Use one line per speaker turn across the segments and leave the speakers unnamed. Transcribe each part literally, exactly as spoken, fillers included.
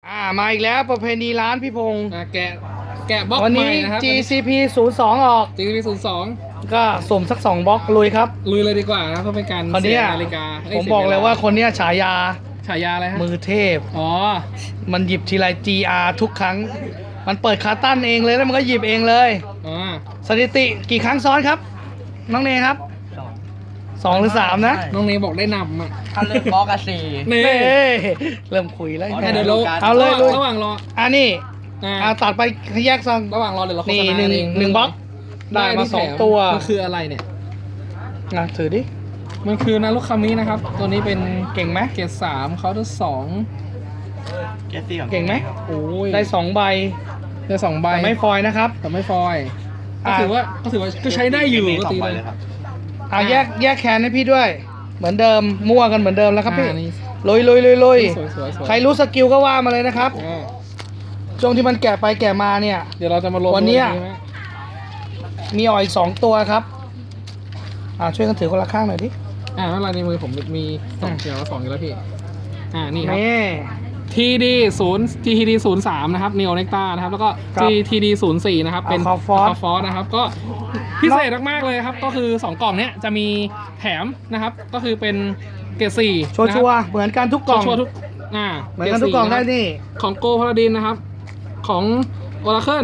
อ่ามาอีกแล้วประเพณีร้านพี่พงศ์
อ่ะแกะแกะบล็อก
วัน
ใหม่
นี้
นะครับ
จี ซี พี ศูนย์สอง ออก
จี ซี พี ศูนย์สอง
ก็สุ่มสักสองบล็อกลุยครับ
ลุยเลยดีกว่านะเพื่อเป็นการ
คน
เสี
เนี้
ย
ย
นาฬิกา
ผมบอกเลยว่าคนเนี้ยฉายา
ฉายาอะไรฮะ
มือเทพ
อ๋อ
มันหยิบทีไร จี อาร์ ทุกครั้ง มันเปิดคาตั้นเองเลยแล้วมันก็หยิบเองเลย
อ๋อ
สถิติกี่ครั้งซ้อนครับ น้องเนครับสองหรือสามนะ
น้องเนบอกได้นำอ่ะ
ถ้าเลือกบล็อกอะสี่
นี่
เฮ้เริ่มคุยแล้ว
อ๋อ
ให้เดี๋ยวเรา
เอาเลยลุย
ระหว่างรอ
อ่ะนี่
อ่า
อ่ะตัดไปแยกซอง
ระหว่างรอเดี๋ยวเราโฆ
นี่
ษณา
หนึ่ง
เอง
หนึ่งบล็อกได้มา
ที่
สอง
แถ
ตัว
มันคืออะไรเนี่ย
อ่ะถือดิ
มันคือนารุคามินะครับ ตัวนี้เป็น
เก่งไหม
เกรดสามเคาน์เตอร์สอง
เกสซี่ของ
เก่งไหม
โอ้ย
ได้สองใบ
ได้สองใบ
แต่ไม่ฟอยล์นะครับ
แต่ไม่ฟอยล์ก็
อ่า
ถือว่าก็ถือว่าก็ใช้ได้อยู่ก็ตีเลย
ครับ
อ่ะแยกแยกแคนให้พี่ด้วย เหมือนเดิมมั่วกันเหมือนเดิมแล้วครับพี่
อ่านี่
ลุยลุยลุยลุย
สวยสวยสวย
ใครรู้สกิลก็ว่ามาเลยนะครับ
อ่า
ช่วงที่มันแกะไปแกะมาเนี่ย
เดี๋ยวเราจะมาลง
วันเนี้ย
ใช่ไหม
มีอ่อยสองตัวครับอ่าช่วยกันถือคนละข้างหน่อยดิ
อ่าเมื่อไรในมือผมมีสองเดียวสองอยู่แล้วพี่ อ่านี่ครับ
นี่
ทีดีศูนย์ทีดีศูนย์สามนะครับ Neo Nectar นะครับ แล้วก็
ครับ
ทีดีศูนย์สี่นะครับ เป็น
Aqua Force
Aqua Force นะครับ ก็พิเศษมากๆเลยครับ ก็คือสองกล่องเนี้ยจะมีแถมนะครับ ก็คือเป็นเกรดสี่
ชัวชัวร์ๆเหมือนกันทุกกล่อง
ชัวร์ๆทุก อ่า
เหมือนกันทุกกล่องได้นี่
ของโกพาราดินนะครับ ของ Oracle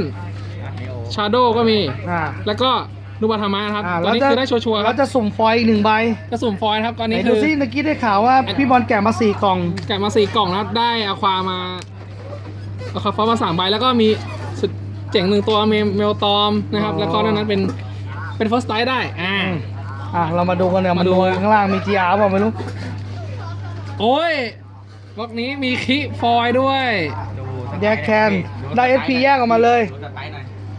Shadow ก็มี
อ่า
แล้วก็นุบัธรรมะนะครับ
อ่า
ตัวนี้คือได้ชัวร์ๆค
แล้
รับ
วจะสุ่มฟอยล์อีกหนึ่งใบ
กระสุนฟอยล์นะครับตอน
ไหน
นี้
ดู
คือ
ซิเมื่อกี้ได้ข่าวว่าพี่บอลแกะมาสี่กล่อง
แกะมาสี่กล่องแล้วได้อะความาอะควาฟอสมาสามใบแล้วก็มีสุดเจ๋งหนึ่งตัวเมเมลตอมนะครับ
อ๋อ
แล้วก็นอกนั้นเป็นเป็นเฟิร์สไ i ได้อ่า
อ่ะเรามาดูกันเนี่ย
มา
มา
ดู
ดูข้างล่างมี จี อาร์ เปล่าไม่รู้
โอ้ยบล็อกนี้มีคิฟอยล์ด้วย
แยกแคนได้ เอส พี แยกออกมาเลย
ดูสไตล์หน่อย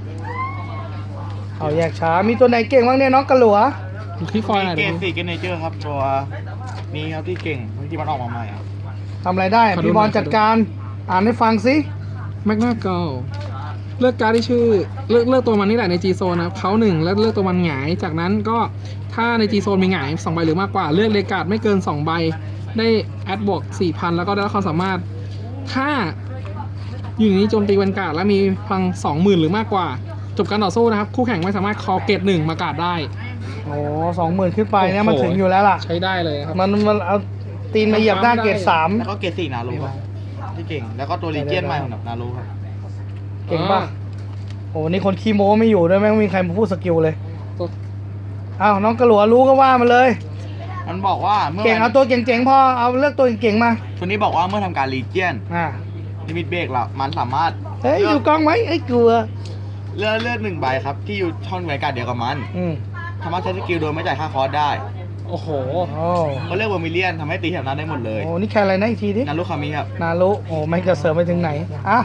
เอาแยกช้ามีตัวไหนเก่งบ้างเนี่ยน้องกระหลัว
ดูคิฟอยล์หน่อย
เก
ดู
สซี่เกนเนเจอร์ครับตัวนี้ครับที่เก่งที่มันออกมาใหม่ครับ
ทำอะไรได้
ขอดู
พี่บอล
หน่อย
จัดการอ่านให้ฟังสิ
แมกนาเกลเลือกการ์ดที่ชื่อเลือกเลือกตัวมันนี่แหละใน G Zone นะครับเขาหนึ่งแล้วเลือกตัวมันหงายจากนั้นก็ถ้าใน G Zone มีหงายสองใบหรือมากกว่าเลือกเลกาดไม่เกินสองใบได้แอดบวก สี่พัน แล้วก็ได้รับความสามารถ ถ้าอยู่ในนี้โจมตีวันการ์ดและมีพลัง สองหมื่น หรือมากกว่า จบการต่อสู้นะครับ คู่แข่งไม่สามารถคอเกตหนึ่งมาการ์ดได้
โอ้สองหมื่นขึ้นไปเนี่ย
โอ้โห
มันถึงอยู่แล้วล่ะ
ใช้ได้เลยนะครับ
มันมันเอาตีนมาเหยียบหน้าเกรดสาม
แล้วก็เกสซี่นารูครับที่เก่งแล้วก็ตัวลีเจียนใหม่ของนารูครับ
เก่งป่ะโอ้นี่คนขี้โม้ไม่อยู่ด้วยแม่งไม่มีใครมาพูดสกิลเลย
ตัว
อ้าวน้องกระหลัวรู้ก็ว่ามาเลย
มันบอกว่าเมื่อ
เก่งเอาตัวเก่งๆพอเอาเลือกตัวเก่งๆมา
ตัวนี้บอกว่าเมื่อทำการลีเจียน
อ่า
ลิมิตเบรกละมันสามารถ
เฮ้ยอยู่กองไหมไอ้ยกลัว
เลือกเลือกหนึ่งใบครับที่อยู่ช่องบริการเดียวกับมัน
อืม
สามารถใช้สกิลโดยไม่จ่ายค่าคอร์สได้
โอ้โห
โอ้
เขาเลือกเวอร์มิเลียนทำให้ตีแถวนั้นได้หมดเลย
โหนี่แค่อะไรนะอีกทีดิ
นารุคามิครับ
นารุโอ้ไม่งจะเสริมไปถึงไหนอ่ะ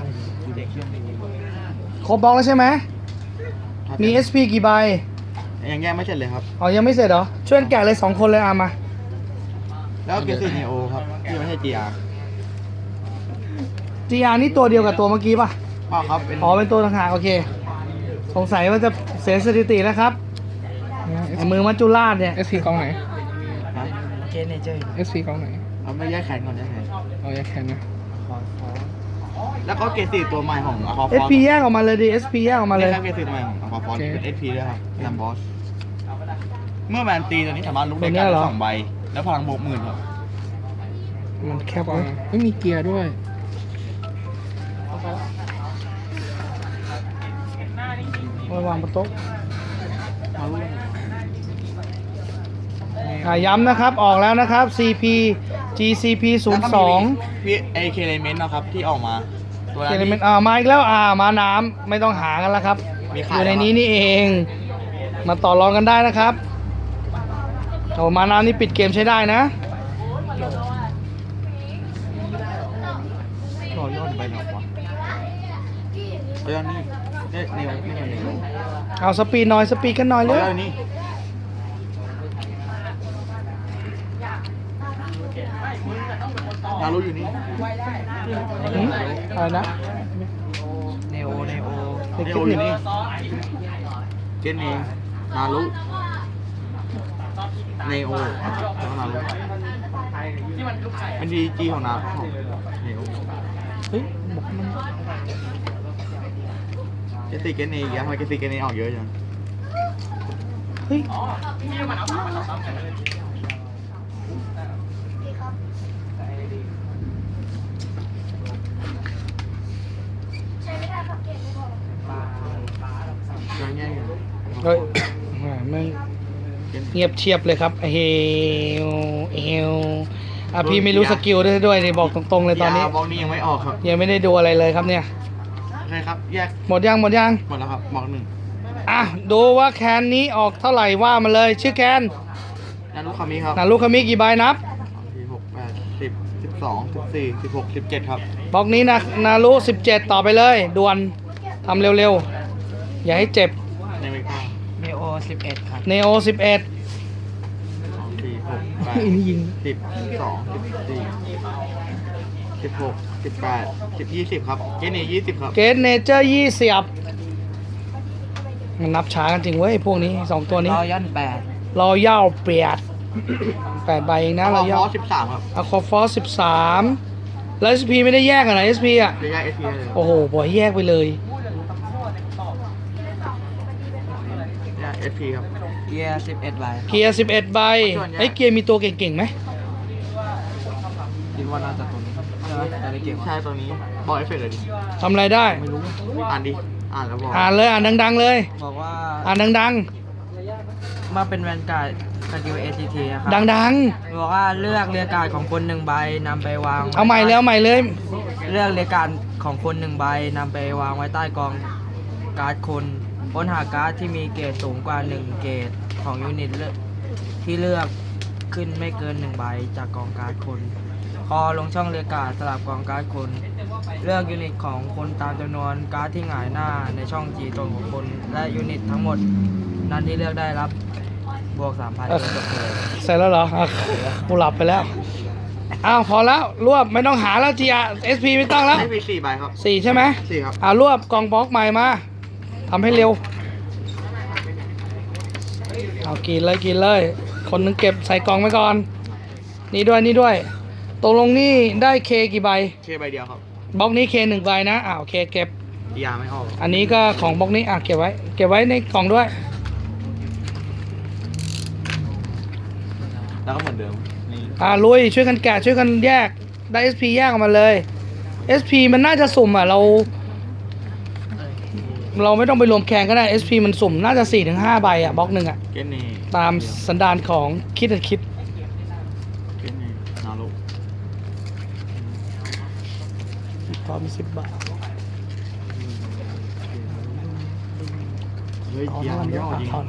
ครบบล็อกแล้วใช่ไหมมี เอส พี กี่ใบ
ยังแยกไม่เสร็จเลยครับ
อ๋อยังไม่เสร็จเหรอช่วยกันแกะเลยสองคนเลยอ่ะมา
แล้วก็เกสซี่เนโอครับที่ไม่ใช่ จี อาร์
จี อาร์ นี่ตัวเดียวกับตัวเมื่อกี้ป่ะ
พ่อครับเป็น
อ๋อเป็นตัวต่างหากโอเค สงสัยว่าจะเสียสถิติแล้วครับไอ้มือมัจจุราชเนี่ย
เอสพีกองไหน
ฮะเกสเนเจอร์
เอสพีกองไหน
เอาไม่แยกแขนก่อนแยกแขน
เอาแยกแคนนะ
แล้วก็เกสซี่ตัวใหม่ของอะควาฟ
เอ
อ
ส
ส
พี แยกออกมาเลยดิ เอส พี แยกออกมาเลย
ครับเกสซี่ตัวใหม่ของอะควาฟอสเป็น เอส พี ด้วยครับลัมบอสเมื่อแมนตีตัวนี้สามารถลุกได้การสองใบแล้วพลังบวกหมื่นครับ
มันแคบ
ปอ
ไว้
ไม่มีเกียร์ด้วย
ไว้วางบนโต๊ะอ่ะย้ำนะครับออกแล้วนะครับ ซี พี จี ซี พี ศูนย์สอง
พี่เอเคเลเมนต์นะครับที่ออกมาตัว
เอ
นั้น
ลิเมน
ที่
ต์อ่ามาอีกแล้วอ่ามาน้ำไม่ต้องหากันแล้วครับ
มี
อ
ขาย
ยู่ใน
แล้ว
นี้นี่เอง มาต่อรองกันได้นะครับโอ้มาน้ำนี่ปิดเกมใช้ได้นะ
รอยอดไปหนอวะรอยอดนี่เนี่ยเนวนี่เนว
เอาสปีดหน่อยสปีดกันหน่อย
ร
เล
อย
ย
อดนี่ นารูอยู่นี่
หืมอะไรนะ
เนโอเนโอ
เด็ก
เน
คิ
โอ
ด
อยู่
นี่
นี่เจนเองนารูเนโอแล้วนารูเป็นดีจีของนาของเนโอ
เฮ้ยบอกมัน
เกติเกนเนอีกแล้วทำไมเกติเกนเนออกเยอะจัง
เฮ้ยเฮ้ยแหม่แม่งเงียบเชียบเลยครับเฮลเฮลอ่ะพี่ไม่รู้สกิลด้วยด้วยนี่บอกตรงๆเลยตอนนี้
ยาบล็อกนี้ยังไม่ออกครับ
ยังไม่ได้ดูอะไรเลยครับเนี่ย
โอเคครับ แยก
หมดยังหมดยัง
หมดแล้วครับบล็อกหนึ่ง
อ่ะดูว่าแคนนี้ออกเท่าไหร่ว่ามาเลยชื่อแคน
นารุคามิครับ
นารุคามิกี่ใบนับ
สี่หกแปดสิบสิบสองสิบสี่สิบหกสิบเจ็ดครับ
บล็อกนี้นะนารุสิบเจ็ดต่อไปเลยด่วนทำเร็วๆ อย่าให้เจ็บ
ในเมกา
เนโอสิบเอ็ดครับ
เนโอสิบเอ็ด
สองสี่หกแปด
อันนี้ยิง
สิบสิบสองสิบสี่สิบหกสิบแปดสิบยี่สิบครับเกนเนยี่สิบครับ
เกตเนเจอร์ยี่สิบมันนับช้ากันจริงเว้ยพวกนี้สองตัวนี้
รอยันแปด
รอย่าเปียดแปดใบเองนะ
เรา
รอย่า
ย่อสิบสามครับ
อะคอฟอสสิบสามแล้ว เอส พี ไม่ได้แยกกันนะ เอส พี อ่ะ
จะแยกเอสพีเลย
โอ้โหบอยแยกไปเลย
แยกเอสพีครับ
เกียร์สิบเอ็ดใบ
เกียร์สิบเอ็ดใบไอ้ยเกียร์มีตัวเก่งๆไหม
คิดว่าน่าจะตัวนี้ใช่ไหมแต่ในเกม
ใช่ตัวนี้บอกเอฟเฟกต์เลยดิ
ทำอะไรได้
อ่านดิ อ่านแล้วบอก
อ่านเลยอ่านดัง ๆ เลย
บอกว่า
อ่านดัง
มาเป็นแวนการ์ดสกิลเอทีทีนะครั
ๆ ดัง
บอกว่าเลือกเรือการ์ดของคนหนึ่งใบนำไปวาง
ๆ เอาใหม่เลยเอาใหม่เลย
เลือกเรือการ์ดของคนหนึ่งใบนำไปวางไว้ใต้กองการ์ดคนค้นหาการ์ดที่มีเกรดสูงกว่าหนึ่งเกรดของยูนิตเลือกที่เลือกขึ้นไม่เกินหนึ่งใบจากกองการ์ดคน พอลงช่องเรือการ์ดสลับกองการ์ดคน เลือกยูนิตของคนตามจำนวนการ์ดที่หงายหน้าในช่องจีตนของคน และยูนิตทั้งหมดนั้นที่เลือกได้รับบวกสามพัน
เออ
จบเลย
เสร็จแล้วเหรออ่ะกูหลับไปแล้ว อ้าว พอแล้ว รวบ ไม่ต้องหาแล้ว จี อาร์ เอส พี ไม่ต้องแล้ว
เอสพีสี่ใบครับ
สี่ใช่ไหม
สี่ครับ
อ่ารวบกองบล็อกใหม่มาทำให้เร็ว เอากินเลยกินเลย คนหนึงเก็บใส่กล่องไว้ก่อน นี่ด้วยนี่ด้วยตกลงนี่ได้เคกี่ใบ
เคใบเดียวครับ
บล็อกนี้เคหนึ่งใบนะอ่าโอเคเก็บ
ยาไม่ออก
อันนี้ก็ของบล็อกนี้อ่ะเก็บไว้ เก็บไว้ในกล่องด้วย
แล้วก็เหมือนเดิม นี่
อ่าลุยช่วยกันแกะช่วยกันแยกได้ เอส พี แยกออกมาเลย เอส พี มันน่าจะสุ่มอ่ะเรา เราไม่ต้องไปรวมแข่งก็ได้ เอส พี มันสุ่มน่าจะ สี่ถึงห้า ใบอ่ะบล็อกหนึ่งอ่ะ
เกนเน่
ตามสันดานของคิดอันคิด
เกนเน่นารุ
พอมีสิบบาท
เฮ้ย
เอา
เกีย
เท่า
ร์
นั้นเดียว
ย่อ
อ่ะ
จริง
ถอน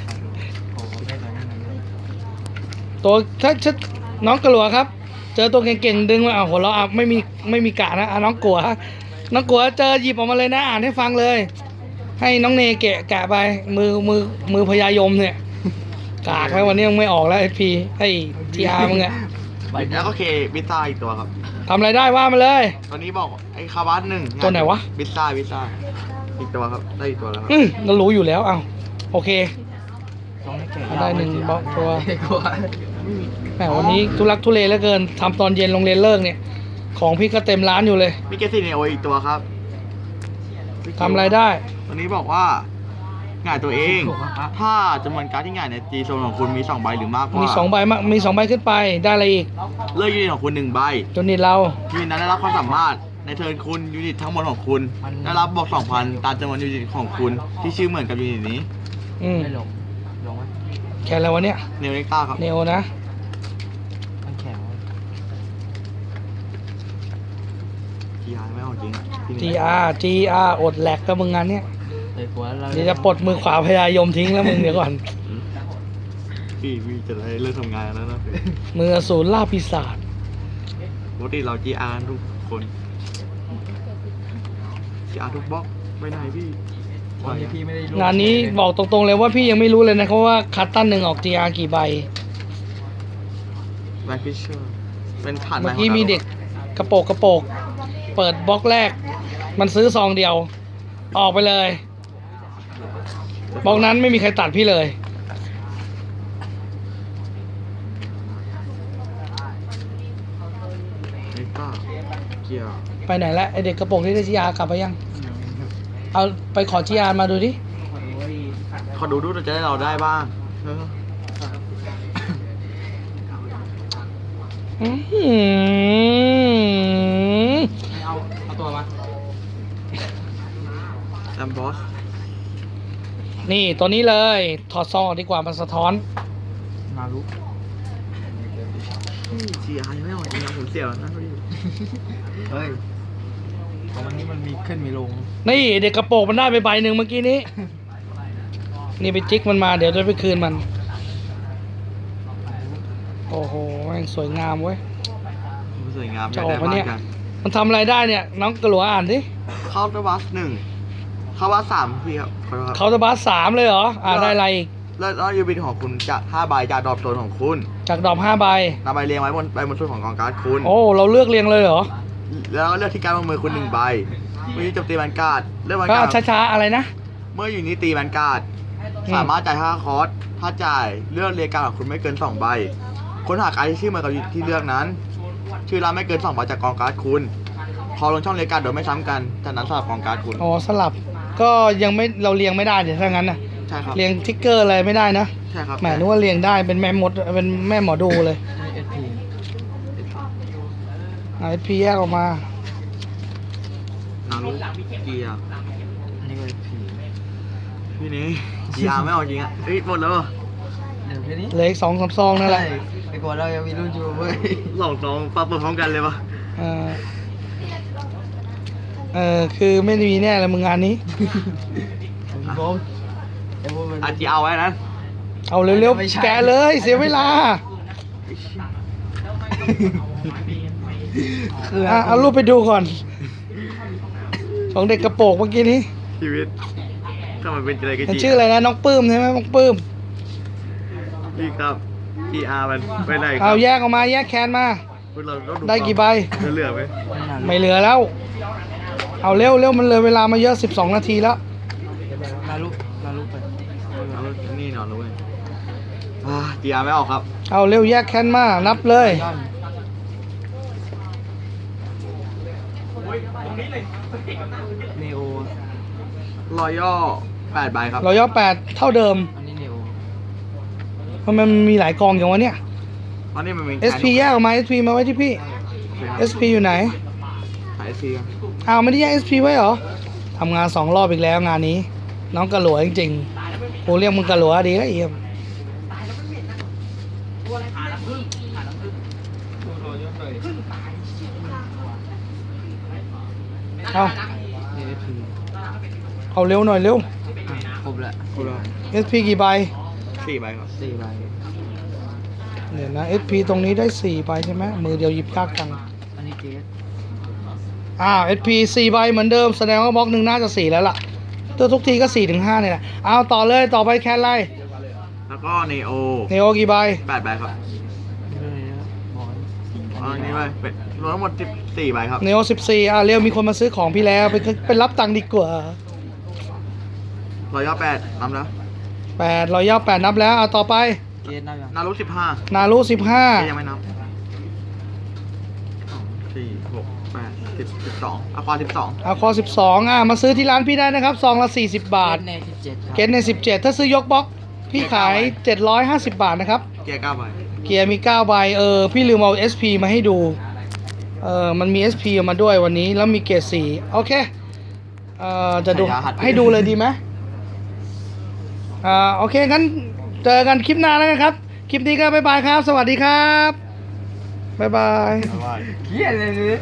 ตัวถ้าถ้าน้องกลัวครับ เจอตัวเก่งๆดึงมาอ่ะหัวเราะอ่ะไม่มีไม่มีกะนะอ่ะน้องกลัวน้องกลัวเจอหยิบออกมาเลยนะอ่านให้ฟังเลย ให้น้องเนแกะแกะไปมือมือมือพญายมเนี่ยกากแล้ววันนี้ยังไม่ออกแล้ว เอส พี ไอ้ทีอาร์มึงอะ
แล้วก็เคบิซ่าอีกตัวครับ
ทำอะไรได้ว่ามาเลย
ตอนนี้บอกไอ้คาบัสหนึ่ง
ตัวไหนวะ
บิซ่าบิซ่าอีกตัวครับ ได้อีกตัวแล้วครับ
อืมเรารู้อยู่แล้วเอาโอเค
ต้องให้เกรด
ได้หนึ่งบล็อกตัว
กลัว
แหมวันนี้ทุลักทุเลเหลือเกินทำตอนเย็นโรงเรียนเลิกเนี่ย ของพี่ก็เต็มร้านอยู่เลย
มีเกสซี่เนโออีกตัวครับ
ทำอะไรได้
ตัวนี้บอกว่าหง่ายตัวเอง ถ้าจำนวนการ์ดที่หง่ายในจีโซนของคุณมีสองใบหรือมากกว่า
มีสองใบมากมีสองใบขึ้นไปได้อะไรอีก
เลือกยูนิตของคุณหนึ่งใบ
จนนี่เรา
ยูนิตนั้นได้รับความสามารถในเทิร์นคุณยูนิตทั้งหมดของคุณได้รับบวกสองพันตามจำนวนยูนิตของคุณที่ชื่อเหมือนกับยูนิตนี้
อืม
ไม่ลงลงไหม
แค่อะไรวะเนี่ย
เนเล็กต้าครับ
เนโอนะ
มันแข็ง
จีอาร์ไม่ออกจริงอะพี่
จี อาร์ จี อาร์ อดแหลกกับมึงงานเนี้ย
เลยกลัวเรา
เดี๋ยวจะปลดมือขวาพยายมทิ้งแล้วมึงเดี๋ยวก่อน
พี่พี่จะได้เลิกทำงานแล้วนะ
มืออสูรล่าปีศาจ
ปกติเราจีอาร์ทุกคนจีอาร์ทุกบล็อกไปไหนพี่
วันนี้พี่ไม่ได้รู้
งานนี้บอกตรงๆเลยว่าพี่ยังไม่รู้เลยนะครับว่าคัตตันหนึ่งออก จี อาร์ กี่ใบ
แบล็คฟิชเชอร์เป็นผ่าน
เมื่อกี้มีเด็กกระโปกกระโปก เปิดบล็อกแรก มันซื้อซองเดียว ออกไปเลยบล็อกนั้นไม่มีใครตัดพี่เลย
เล็กต้าเกียร์
ไปไหนแล้วไอเด็กกระโปรงที่ได้จีอาร์กลับไปยัง เอาไปขอจีอาร์มาดูดิ
ขอดูดูจะได้เราได้บ้างเออ
อื้อหือ
เอาเอาตัวมา
แลมบอส
นี่ตัวนี้เลย ถอดซองออกดีกว่ามันสะท้อน
นารุ
จีอาร์ยังไม่ออกจริงนะผมเสียวนะพี่
เฮ้ยของมันนี้มันมีขึ้นมีลง
นี่เด็กกระโปรงมันได้ไปใบหนึ่งเมื่อกี้นี้ นี่ไปจิกมันมาเดี๋ยวจะไปคืนมัน โอ้โหแม่งสวยงามเว้ย
สวยงาม
จะออกปะเนี่ย
กัน
มันทำอะไรได้เนี่ย น้องกระหลัวอ่านดิ
เข้าตัวบัสหนึ่งเข้าบัสสามพี่ครับขอโทษครับ
เขาจะบาสสามเลยเหรอ อ่าได้อะไรอีก
แล้วแล้วยูบินของคุณจะห้าใบจากดรอปโซนของคุณ
จากดอกห้าใบ
นำใบเรียงไว้บนใบบนส่วนของกองการ์ดคุณ
โอ้ เราเลือกเรียงเลยเหรอ
แล้วก็เลือกที่การดบนมือคุณหนึ่งใบเมื่อโจมตีแวนการ์ดเลือกแวน
ก็
การ์ด
ช้าๆอะไรนะ
เมื่ออยู่นี้ตีแวนการ์ด
อืม
สามารถจ่ายห้าคอร์สถ้าจ่ายเลือกเรียงการ์ดของคุณไม่เกินสองใบค้นหาการ์ดที่ชื่อเหมือนกับที่เลือกนั้น ชื่อร้านไม่เกินสองใบจากกองการ์ดคุณพอลงช่องเรียงการ์ดโดยไม่ซ้ำกันจากนั้นสลับกองการ์ดคุณ
อ๋อสลับ ก็ยังไม่เราเรียงไม่ได้เดี๋ยวถ้างั้นนะ
ใช่ครับ
เรียงทิกเกอร์อะไรไม่ได้นะ
ใช่ครับ
แหมนึกว่าเรียงได้เป็นแม่มดเป็นแม่หมอดูเลย
เอสพี
ไอพีแยกออกมา
นารุเกียร์
อันนี้ก็เอสพี
พี่นี้จีอาร์ไม่ออกจริงอ่ะเฮ้ยหมดแล้วเหรอ
เดี๋ยวแค่นี้
เหลืออีกสองสามซองนั่นแหละ
ใช่ไอ้กว่าเรายังมีรุ่นอยู่เว้ย
สองสองปาเปิดพร้อมกันเลยปะ
เออเออคือไม่มีแน่เลยมึงงานนี้
บอมไอ้พวกมัน
อาจีเอาไว้นะ
เอาเร็ว
ไม่ใช่
ๆ แกะเลยเสียเวลา
คือ
อ่ะเอารูปไปดูก่อน ของเด็กกระโปรงเมื่อกี้นี้
ชีวิตทำไมเป็นอะไรกัน
มัน
จี
ชื่ออะไรนะน้องปื้มใช่ไหมน้องปื้ม
พี่ครับจีอาร์มันไปไหนครั
เอา
บ
แยกออกมาแยกแคนมา
พวกเราต้อง
ได้กี่ใบ
เหลือไหม
ไม่เหลือแล้ว เอาเร็วเร็วมันเลยเวลามาเยอะสิบสองนาทีแล้ว
นารุนารุไป
เอานี่นอนเลยอ่าจีอาร์ไม่ออกครับ
เอาเร็วแยกแคนมานับเลย
ย้อนเนโอ
รอยย่อแปดใบครับ
เราย่อแปดเท่าเดิม
อันนี้เนโอ
เพราะมันมีหลายกองอย่างวะเนี่ย
เพราะนี่มันมี
เอส พี แยกออกมา เอส พี มาไว้ที่พี่ เอส พี อยู่ไหน
ขายเอสพีครับ
อ้าวไม่ได้แยก เอส พี ไว้เหรอทำงานสองรอบอีกแล้วงานนี้ น้องกระหลัวจริงๆกูเรียกมึงกระหลัวดีแล้วเอี่ยมเอา
เอสพี
เอาเร็วหน่อยเร็ว
ครบแล้ว
ครบแล้ว
เอส พี กี่ใบ
สี่ใบครับ
สี่ใบ
เดี๋ยวนะ เอส พี ตรงนี้ได้สี่ใบใช่ไหมมือเดียวหยิบยากจัง
อันนี้เกส
อ้าว เอส พี สี่ใบเหมือนเดิมแสดงว่าบล็อกหนึ่งน่าจะสี่แล้วล่ะตัวทุกทีก็สี่ถึงห้าเนี่ยแหละเอาต่อเลยต่อไปแคนไล
แล้วก็เนโอ
เนโอกี่ใบ
แปดใบครับ
เรื่องนี้นะบอล
เอาอันนี้ไปเป็นรวมทั้งหมดสิบสี่ใบครับ
เนโอสิบสี่อ่ะเร็วมีคนมาซื้อของพี่แล้วไปไปรับตังค์ดีกว่า
รอยย่อแปดนำแล้ว
แปดรอยย่อแปดนับแล้วเอาต่อไป
เกสนับยัง
นารุสิบห้า
นารุสิบห้า
ยังไม่นับสองสี่หกแปดสิบสิบสองอะควาสิบสอง
อาคอสิบสองอ่ะมาซื้อที่ร้านพี่ได้นะครับซองละสี่สิบบาท
เกสในสิบเจ็ดครับ
เกตในสิบเจ็ดถ้าซื้อยกบล็อกพี่ขายเจ็ดร้อยห้าสิบบาทนะครับ
เกียร์เก้าใบ
เกียร์มีเก้าใบเออพี่ลืมเอา เอส พี มาให้ดูเออมันมี เอส พี ออกมาด้วยวันนี้แล้วมีเกรดสี่โอเคเออจะดูให้ดูเลยดีไหมอ่าโอเคงั้นเจอกันคลิปหน้าแล้วกันครับ คลิปนี้ก็บ๊ายบายครับ สวัสดีครับบ๊ายบาย
เอาไว้
เกสเลย